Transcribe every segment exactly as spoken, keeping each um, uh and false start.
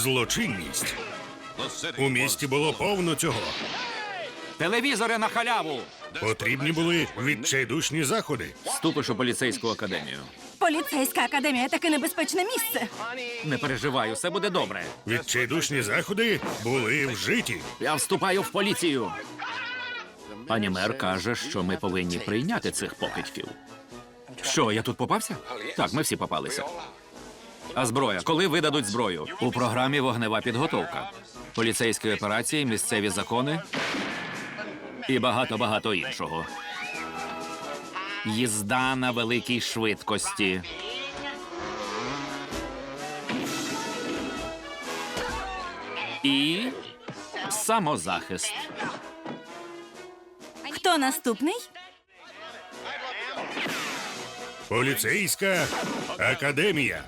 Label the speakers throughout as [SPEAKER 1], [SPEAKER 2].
[SPEAKER 1] Злочинність. У місті було повно цього.
[SPEAKER 2] Телевізори на халяву!
[SPEAKER 1] Потрібні були відчайдушні заходи.
[SPEAKER 2] Вступиш у поліцейську академію.
[SPEAKER 3] Поліцейська академія таке небезпечне місце.
[SPEAKER 2] Не переживай, усе буде добре.
[SPEAKER 1] Відчайдушні заходи були вжиті.
[SPEAKER 2] Я вступаю в поліцію. Пані мер каже, що ми повинні прийняти цих покидьків. Що, я тут попався? Так, ми всі попалися. А зброя? Коли видадуть зброю? У програмі «Вогнева підготовка». Поліцейські операції, місцеві закони і багато-багато іншого. Їзда на великій швидкості. І самозахист.
[SPEAKER 3] Хто наступний?
[SPEAKER 1] Поліцейська академія.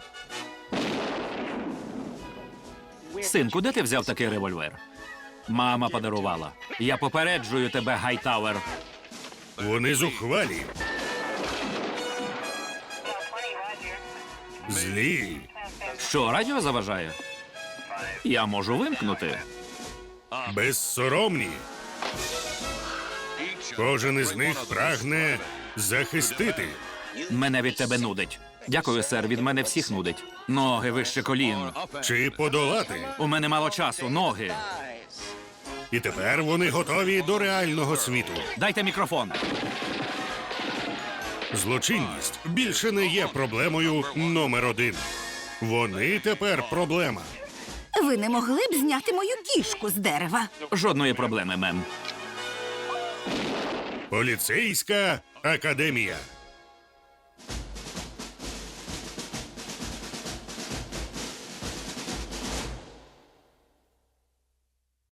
[SPEAKER 2] Синку, де ти взяв такий револьвер? Мама подарувала. Я попереджую тебе, Гайтауер.
[SPEAKER 1] Вони зухвалі. Злі.
[SPEAKER 2] Що, радіо заважає? Я можу вимкнути.
[SPEAKER 1] Безсоромні. Кожен із них прагне захистити.
[SPEAKER 2] Мене від тебе нудить. Дякую, сер, від мене всіх нудить. Ноги вище колін.
[SPEAKER 1] Чи подолати.
[SPEAKER 2] У мене мало часу, ноги.
[SPEAKER 1] І тепер вони готові до реального світу.
[SPEAKER 2] Дайте мікрофон.
[SPEAKER 1] Злочинність більше не є проблемою номер один. Вони тепер проблема.
[SPEAKER 3] Ви не могли б зняти мою кішку з дерева?
[SPEAKER 2] Жодної проблеми, мем.
[SPEAKER 1] Поліцейська академія.